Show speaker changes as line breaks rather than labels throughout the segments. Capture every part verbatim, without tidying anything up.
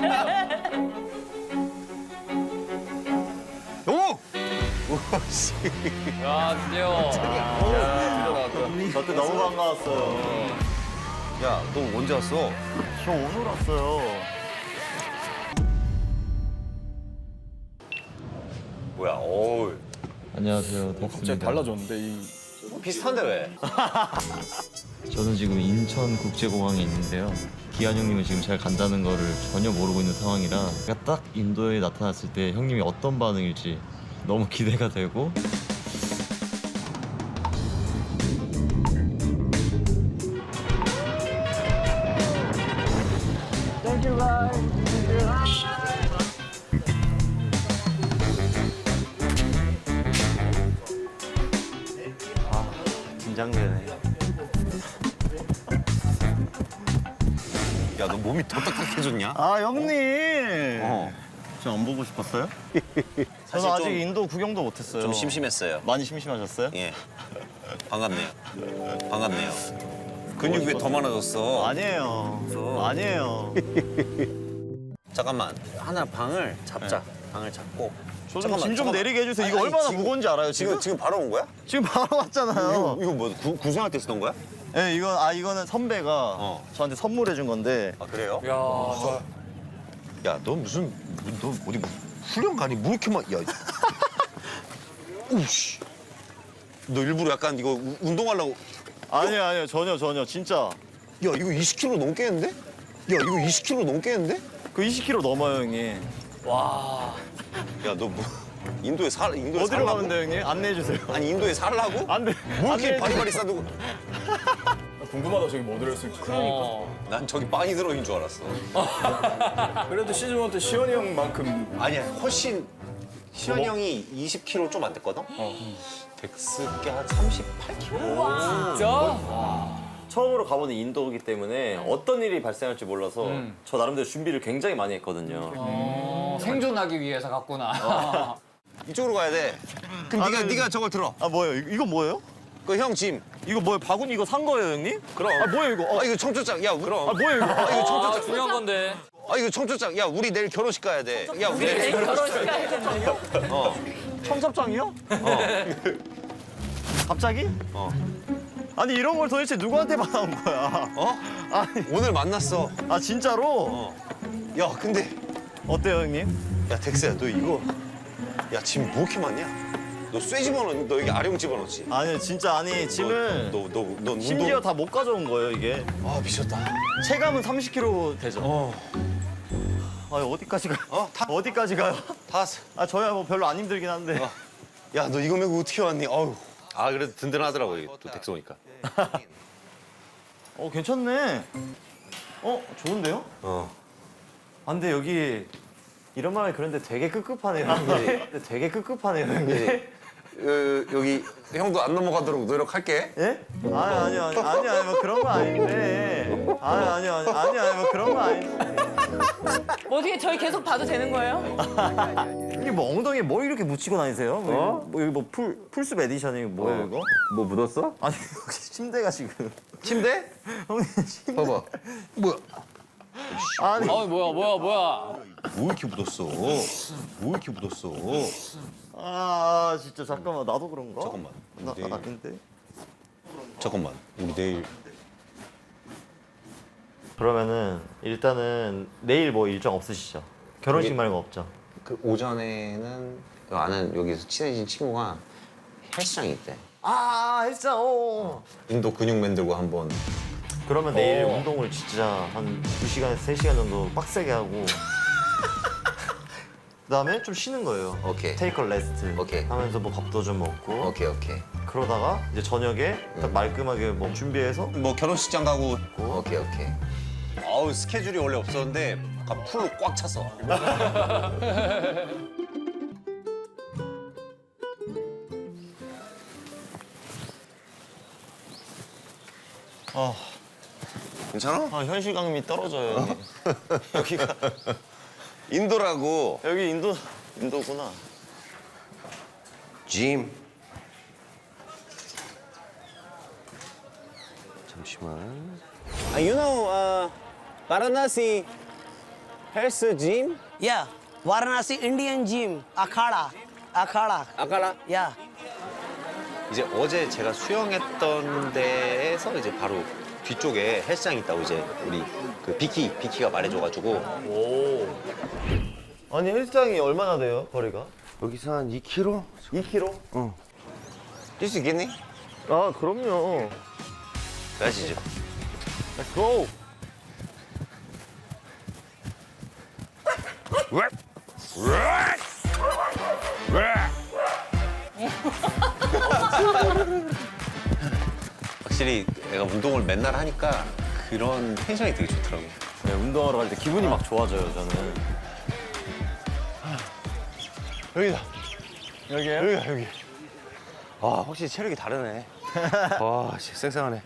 오!
오씨.
야, 드디어.
저때 너무 반가웠어요.
야, 너 언제 왔어?
저 오늘 왔어요.
뭐야, 어우.
안녕하세요, 덕수입니다.
달라졌는데 이.
비슷한데 왜?
저는 지금 인천국제공항에 있는데요. 기한 형님은 지금 잘 간다는 거를 전혀 모르고 있는 상황이라 제가 딱 인도에 나타났을 때 형님이 어떤 반응일지 너무 기대가 되고
긴장되네.
야, 너 몸이 더 딱딱해졌냐?
아 형님.
어.
저 안 보고 싶었어요? 저는
사실
아직
좀-
인도 구경도 못했어요.
좀 심심했어요.
많이 심심하셨어요?
예. 반갑네요. 반갑네요. 근육이 왜 더 많아졌어?
아니에요.
없어.
아니에요.
잠깐만. 하나 방을 잡자. 방을 잡고.
저 좀
잠깐만,
짐 좀
잠깐만.
내리게 해주세요. 이거
아니,
얼마나
지금-
무거운지 알아요 지금?
지금 지금 바로 온 거야?
지금 바로 왔잖아요.
이거, 이거 뭐 구, 구생할 때 쓰던 거야?
네, 이건 아 이거는 선배가
어.
저한테 선물해 준 건데.
아 그래요?
야, 저.
야, 너 무슨 너 어디 뭐 훈련 가니? 뭐 이렇게 막 야. 우씨. 너 일부러 약간 이거 우- 운동하려고.
아니요 아니요 전혀 전혀 진짜
야, 이거 이십 킬로그램 넘겠는데? 야, 이거 이십 킬로그램 넘겠는데?
그 이십 킬로그램 넘어요 형님.
와.
야, 너 뭐 인도에 살 인도에
어디로
살라고?
가면 돼요 형님? 안내해 주세요.
아니 인도에 살라고?
안 돼.
뭐 이렇게
안내해
바리바리 싸두고?
궁금하다 저기 뭐 들었을지.
그러니까.
난 저기 빵이 들어있는 줄 알았어.
그래도 시즌 원 때 시원이 형만큼
아니야, 훨씬 시현이 형이 이십 킬로그램 좀 안 됐거든? 덱스께 한 삼십팔 킬로그램.
진짜?
처음으로 가보는 인도이기 때문에 어떤 일이 발생할지 몰라서 저 나름대로 준비를 굉장히 많이 했거든요.
어, 생존하기 위해서 갔구나.
이쪽으로 가야 돼. 그럼
아,
네가
네.
네가 저걸 들어.
아 뭐예요? 이거, 이거 뭐예요?
그 형 짐.
이거 뭐예요? 바구니 이거 산 거예요 형님?
그럼.
아 뭐예요 이거? 어.
아 이거 청초장. 야, 그럼.
아 뭐예요 이거?
아 이거
아,
청초장.
중요한 건데.
아 이거 청초장. 야, 우리 내일 결혼식 가야 돼. 야, 우리 내일 결혼식 가야 돼. 어.
청첩장이요?
어.
갑자기?
어.
아니 이런 걸 도대체 누구한테 받아온 거야?
어?
아니
오늘 만났어.
아 진짜로?
어. 야, 근데
어때요 형님?
야, 덱스야, 너 이거 야, 짐 뭐 이렇게 많냐? 너 쇠 집어넣어. 너 여기 아령 집어넣지.
아니 진짜 아니 짐을
너너너
심지어 다 못 가져온 거예요 이게.
아, 미쳤다.
체감은 삼십 킬로그램 되죠.
어.
아 어디까지 가요?
어? 타.
어디까지 가요?
다 왔어.
아 저야 뭐 별로 안 힘들긴 한데.
어. 야, 너 이거 메고 어떻게 왔니? 어우. 아, 그래도 든든하더라고, 이게 또 덱스 오니까.
어 괜찮네. 어 좋은데요?
어.
아 근데 여기 이런 말이 그런데 되게 급급하네요. 근데 되게 급급하네요. 근데.
어, 여기 형도 안 넘어가도록 노력할게.
예? 아니 아니 아니 아니 아니 뭐 그런 거 아닌데. 아니 아니 아니 아니 아니 뭐 그런 거 아닌데.
뭐 어떻게 저희 계속 봐도 되는 거예요?
이게 뭐 엉덩이에 뭘 이렇게 묻히고 다니세요? 뭐, 뭐 여기 뭐 풀 풀숲 에디션이 뭐예요 이거?
뭐 묻었어?
아니 혹시 침대가 지금
침대?
형님 침대.
봐봐. 뭐야?
아니
어, 뭐야, 뭐야, 뭐야.
뭐 이렇게 묻었어? 뭐 이렇게 묻었어?
아 진짜 잠깐만 나도 그런가?
잠깐만.
나
내일-
아닌데.
잠깐만. 우리 내일
그러면은 일단은 내일 뭐 일정 없으시죠? 결혼식
여기-
말고 없죠?
그 오전에는 아는 여기서 친해진 친구가 헬스장이 있대.
아 헬스장. 어.
인도 근육맨 들고 한번.
그러면 내일
어.
운동을 진짜 한 두 시간에서 세 시간 정도 빡세게 하고 그다음에 좀 쉬는 거예요.
오케이.
테이크 레스트
오케이.
하면서 뭐 밥도 좀 먹고
오케이 오케이.
그러다가 이제 저녁에 딱 말끔하게 뭐 준비해서
뭐 결혼식장 가고. 오케이 오케이. 아우 스케줄이 원래 없었는데 아까 풀로 꽉 찼어.
아,
괜찮아?
아 현실감이 떨어져요. 여기. 여기가
인도라고.
여기 인도 인도구나.
짐. 잠시만.
Uh, you know, uh, Varanasi,
헬스 짐?
Yeah, Varanasi Indian Gym, Akhada, Akhada.
아까라?
Yeah.
이제 어제 제가 수영했던 데에서 이제 바로 뒤쪽에 헬스장이 있다고 이제 우리 그 비키 비키가 말해줘가지고
아니 헬스장이 얼마나 돼요 거리가?
여기서 한 이 킬로미터?
이 킬로미터?
뛸 수 있겠니?
아 그럼요.
가시죠.
Let's go.
확실히 내가 운동을 맨날 하니까 그런 텐션이 되게 좋더라고요.
네, 운동하러 갈 때 기분이 막 좋아져요 저는.
여기다.
여기요?
여기다, 여기. 아, 확실히 체력이 다르네. 와, 씨, 쌩쌩하네.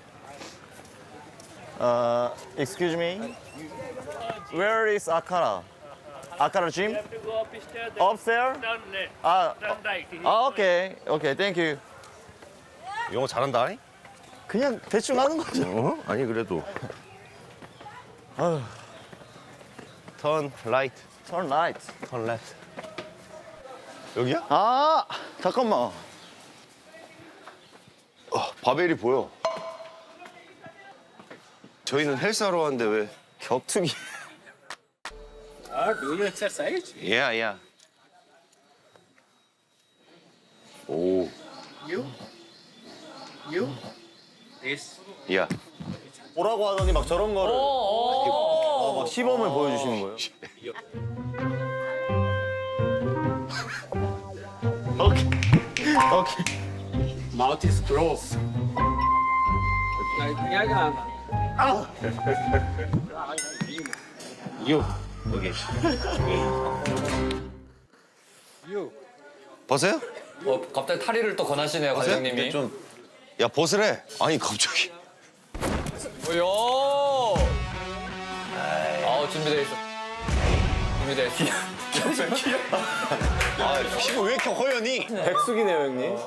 Uh, excuse me. Where is Akara? Akara gym? Upstairs? 아, 아, 오케이, 오케이, thank you.
영어 잘한다.
그냥 대충 하는 거죠.
어? 아니, 그래도. 턴 라이트,
Turn right.
턴 레프트. 여기야?
아, 잠깐만.
어, 바벨이 보여. 저희는 헬스하러 왔는데 왜?
격투기.
Uh, do you exercise?
Yeah, yeah. 오,
You? You? This?
yeah.
뭐라고 하더니 막 저런 거를 어, 막 시범을 보여주시는 거예요. 오케이, 오케이.
Mouth is closed. Like, yeah, yeah. You.
여기.
You.
벗어요?
어, 갑자기 탈의를 또 권하시네요, 과장님이.
이게 좀
야, 벗으래. 아니, 갑자기.
요. 아우 준비돼 있어. 준비돼 있어.
아, 피부 왜 이렇게 허연이?
백숙이네요 형님.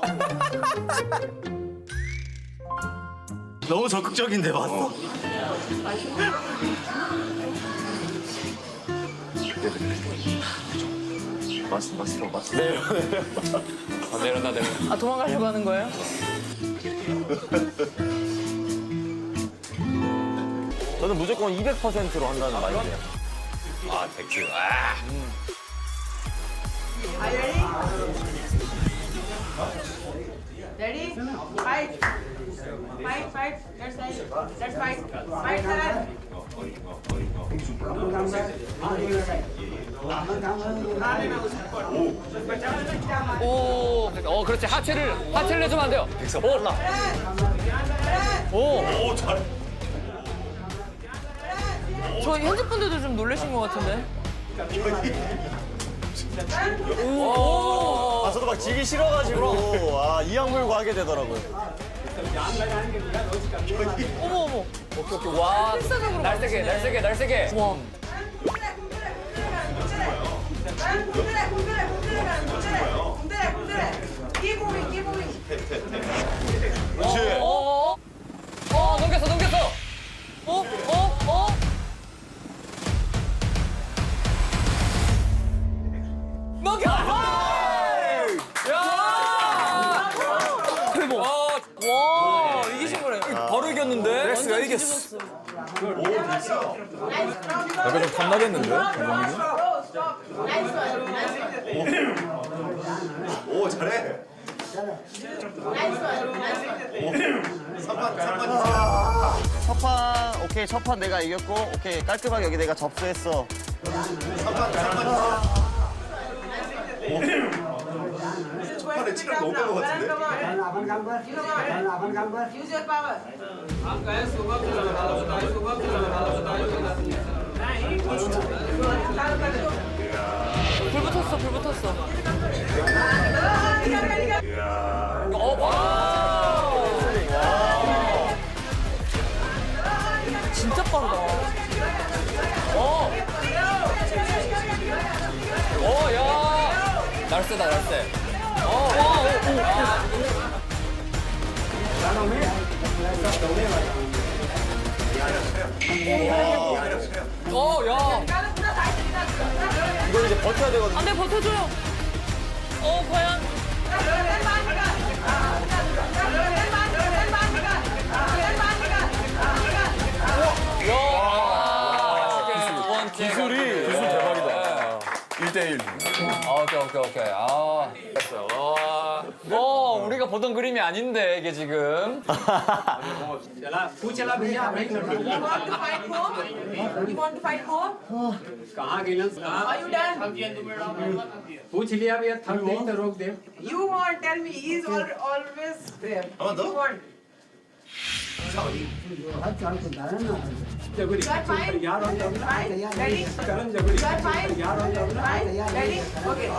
너무 적극적인데 맞어?
마스터, 마스터, 마스터.
아, 내려놔 내려.
아 도망가려고 하는 거예요?
저는 무조건 이백 퍼센트로 한다는 말이에요.
아, 백스. 아.
Ready? Fight. Fight, fight. That's right. That's fight. Fight, sir.
오. 어 그렇지 하체를 하체를 내주면 안 돼요.
백스 빨라.
오.
저 현직분들도 좀 놀라신 것 같은데.
아 저도 막 지기 싫어가지고 아 이악 물고 하게 되더라고요.
어머 어머.
오케이 오케이 와.
필사적으로
날세게 날세게 날세게.
와.
Keep moving, keep moving.
어. 어 넘겼어 넘겼어.
어? 어? 어?
넘겨. 야.
대박. 와 이기신 거네.
바로 이겼는데.
렉스가 이겼어. 약간 좀 탐나겠는데? 감독님이?
오, 잘해.
첫 판 오케이 첫 판 내가 이겼고 오케이 깔끔하게 여기 내가 접수했어.
첫판에 체력 너무 뺀것 같은데?
Use your power.
불 붙었어 불 붙었어.
어 봐.
진짜 빠르다.
어. 어 야. 날쌔다 날쌔. 어. 와. 오, 오. 어 야.
이걸 이제 버텨야 되거든요.
안 돼, 버텨줘요. 어, 과연?
두 번째.
기술이 기술 대박이다. 일 대 일.
아, 오케이, 오케이, 오케이. 아, 됐어요. 와. 뭐, 우리가 보던 그림이 아닌데, 이게 지금.
You want to fight more? You want to fight more?
कहाँ गिलन
Are you done?
पूछ लिया भैया थक नहीं तो रोक दे
You want, tell me, he is al- always there. You want.
जगुरी
You are fine?
यार हो जाओ
Fine? Ready?
करण जगुरी
You are fine?
यार हो जाओ
Fine? Ready? Okay.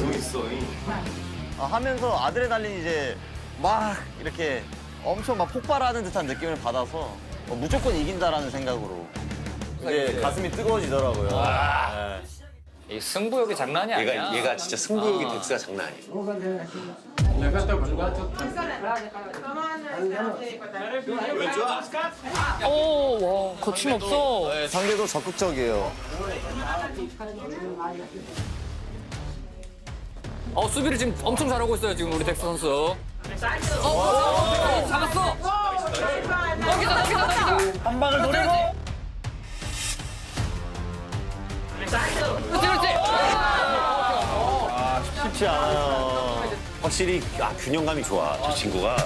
아, 하면서 아드레날린 이제 막 이렇게 엄청 막 폭발하는 듯한 느낌을 받아서 어, 무조건 이긴다라는 생각으로 이제 가슴이 뜨거워지더라고요. 네.
이 승부욕이 장난이 아니야.
얘가 얘가 진짜 승부욕이 덱스가 장난 아니야.
लगा तो भंगा तो
Come on.
오, 와, 거침없어.
네, 상대도 적극적이에요.
어, 수비를 지금 엄청 잘하고 있어요, 지금 우리 덱스 선수. 어, 어, 어, 잡았어. 여기다, 여기다, 여기다.
한 방을 노리고
그렇지, 그렇지.
쉽지 않아요.
확실히 아, 균형감이 좋아. 저 친구가.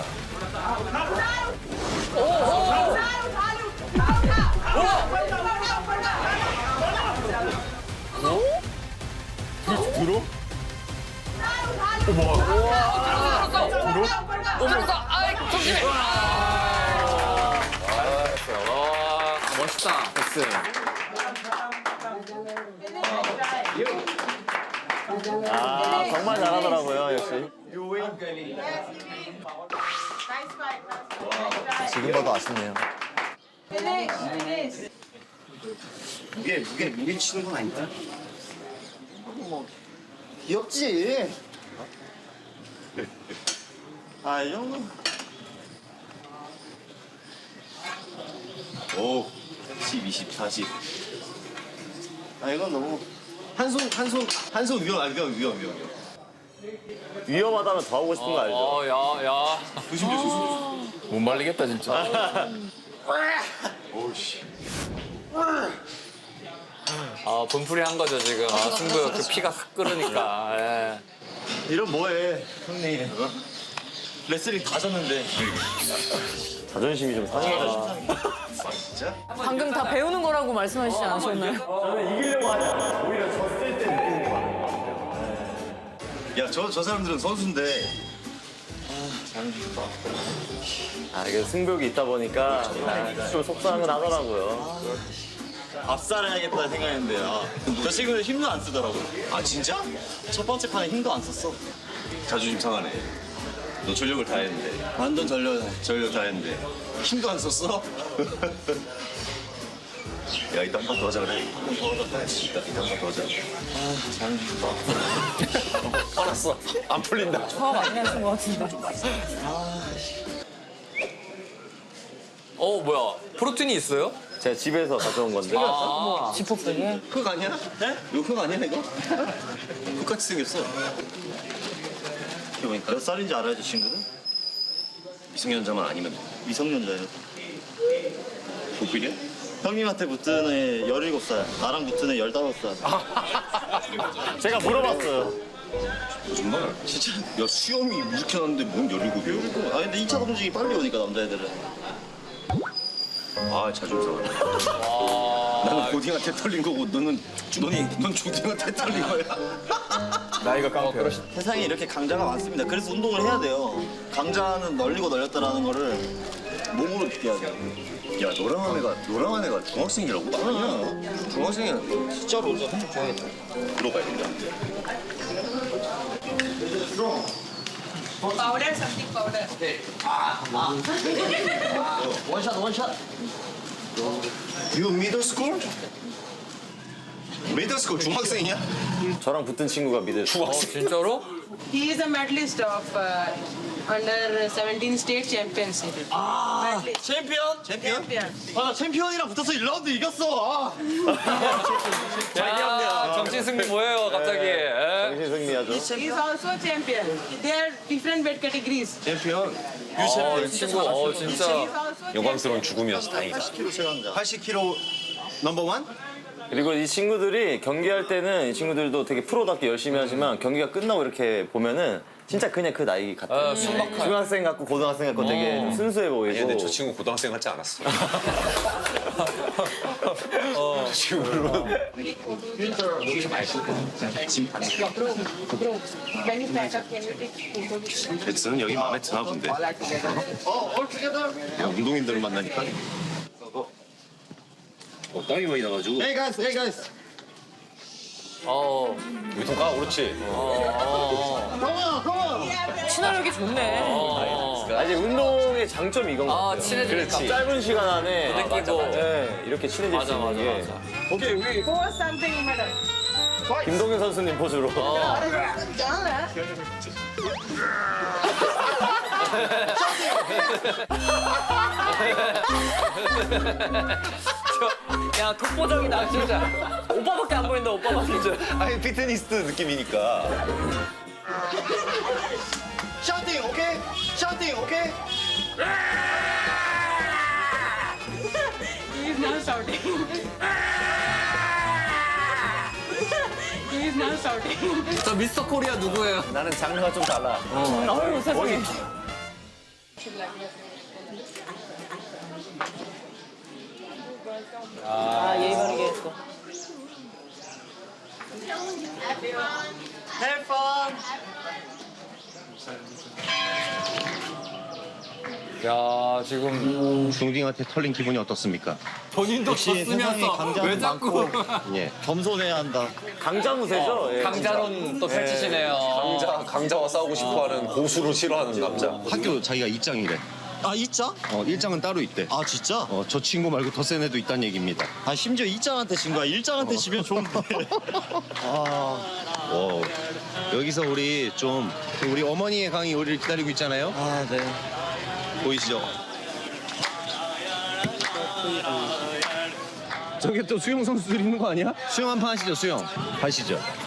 들어?
오면서, 아이, 정신해. 아, 잘했어요. 와, 멋있다, 덱스.
아, 정말 잘하더라고요, 역시.
Nice fight. Nice fight.
지금 봐도 아쉽네요.
Finish. Finish.
무게 무게 무게 치는 건 아니다.
귀엽지? 아, 이 정도.
오, 십, 이십, 사십.
아, 이건 너무
한 손 한 손 한 손 위험 아 위험 위험 위험.
위험하다면 더 하고 싶은 거 알죠?
어, 야, 야.
조심 조심 조심.
못 말리겠다, 진짜.
오씨.
아, 분풀이 한 거죠, 지금. 아, 승부 그 피가 확 끓으니까. 예.
이런 뭐해, 형님. 레슬링 다 졌는데. 자존심이 좀 상해가지고.
진짜?
방금 다 배우는 거라고 말씀하시지 않으셨나요?
저는 이기려고 하지 않아요. 오히려 졌을 때 느끼는 거 같아요.
야 저 저 사람들은 선수인데.
아, 이게 승벽이 있다 보니까 좀 속상은 하더라고요. 압살해야겠다 생각했는데, 아, 저 친구는 힘도 안 쓰더라고요.
아 진짜?
첫 번째 판에 힘도 안 썼어.
자존심 상하네. 너 전력을 다 했는데.
완전 전력.
전력 다 했는데 힘도 안 썼어? 야 이따 한 번 더 하자 그래. 이따 이따 한 번 더 하자. 화났어. 안 풀린다.
화 많이 하신 것 같은데.
어, 뭐야. 프로틴이 있어요?
제가 집에서 가져온 건데.
아,
지퍼백에?
흙 아니야? 네? 이거 흙 아니야 이거? 흙같이 생겼어. 이거 보니까
몇 살인지 알아야죠, 친구들?
미성년자만 아니면 돼.
미성년자예요.
보필이야?
형님한테 붙은 애 열일곱 살, 나랑 붙은 애 열다섯 살. 제가 물어봤어요.
정말? 진짜? 야 수염이 이렇게 났는데 뭔 열일곱이야?
아, 근데 이 차 동식이 빨리 오니까, 남자애들은.
아 자존심 상하네. 나는 고딩한테 털린 거고 너는 너는 넌 조딩한테 털린 거야.
나이가 깡패.
세상에 이렇게 강자가 많습니다. 그래서 운동을 해야 돼요. 강자는 널리고 널렸다라는 거를 몸으로 느껴야 돼요.
야 너랑한 애가 너랑한 애가 중학생이라고? 아니야. 중학생이야. 진짜로 너 한쪽 좋아하겠다. 들어가야 된다.
Powder, something powder.
원샷, 원샷.
You middle school? middle school 중학생이야?
저랑 붙은 친구가 믿을 수
어, 진짜로?
He is a medalist of uh, under seventeen state championship.
아, 챔피언? 챔피언?
Champion.
아, 나 챔피언이랑 붙어서 일 라운드 이겼어. 아.
야, 정신 정신승리 뭐예요, 갑자기? 예?
정신 승리하죠.
He's also champion. They are different weight categories.
챔피언.
어, 이 친구, 어, 진짜.
He's also
영광스러운 죽음이어서 다행이다. 팔십 킬로그램 넘버 원?
그리고 이 친구들이 경기할 때는 이 친구들도 되게 프로답게 열심히 하지만 경기가 끝나고 이렇게 보면은 진짜 그냥 그 나이 같아요.
아, 순박한.
중학생 같고 고등학생 같고 되게 좀 순수해 보이고.
근데 저 친구 고등학생 같지 않았어. 저 친구는
When you pack up, can you take photos?
잭슨은 여기 마음에 드나 본데. 그냥 운동인들을 만나니까. 어, 땀이 많이 나가지고.
Hey guys, hey guys.
어,
유통 가, 그렇지.
친화력이 좋네.
아, 이제 운동의 장점이 이건 것
아,
같아요.
친해지니까.
짧은 시간 안에
아, 맞아, 맞아.
네, 이렇게 친해질
맞아,
수 있는
맞아,
게
맞아.
오케이, 우리
Pose something in middle.
김동현 선수님 포즈로.
야, 독보적이다, 진짜. 오빠밖에 안 보인다, 오빠밖에.
아니, 피트니스트 느낌이니까.
샤우팅, 오케이? 샤우팅, 오케이?
He is now shouting. He is now shouting.
저 미스터 코리아 누구예요?
나는 장르가 좀 달라.
아유, 세상에. 아, 예의 바르게 했어.
야, 지금
중딩한테 털린 기분이 어떻습니까?
본인도 졌으면서 왜 자꾸
예.
겸손해야 한다.
강자무새죠? 예.
강자론 또 펼치시네요.
강자, 강자와 싸우고 싶어하는 고수를 싫어하는 남자. 학교 자기가 이장이래.
아 이짱?
어, 일장은 따로 있대.
아 진짜?
어, 저 친구 말고 더 센 애도 있다는 얘기입니다.
아 심지어 이짱한테 진 거야. 일짱한테 지면 좋은데. 아,
어, 여기서 우리 좀 우리 어머니의 강이 우리를 기다리고 있잖아요.
아 네.
보이시죠? 저게 또 수영 선수들 있는 거 아니야? 수영 한 판 하시죠, 수영. 가시죠.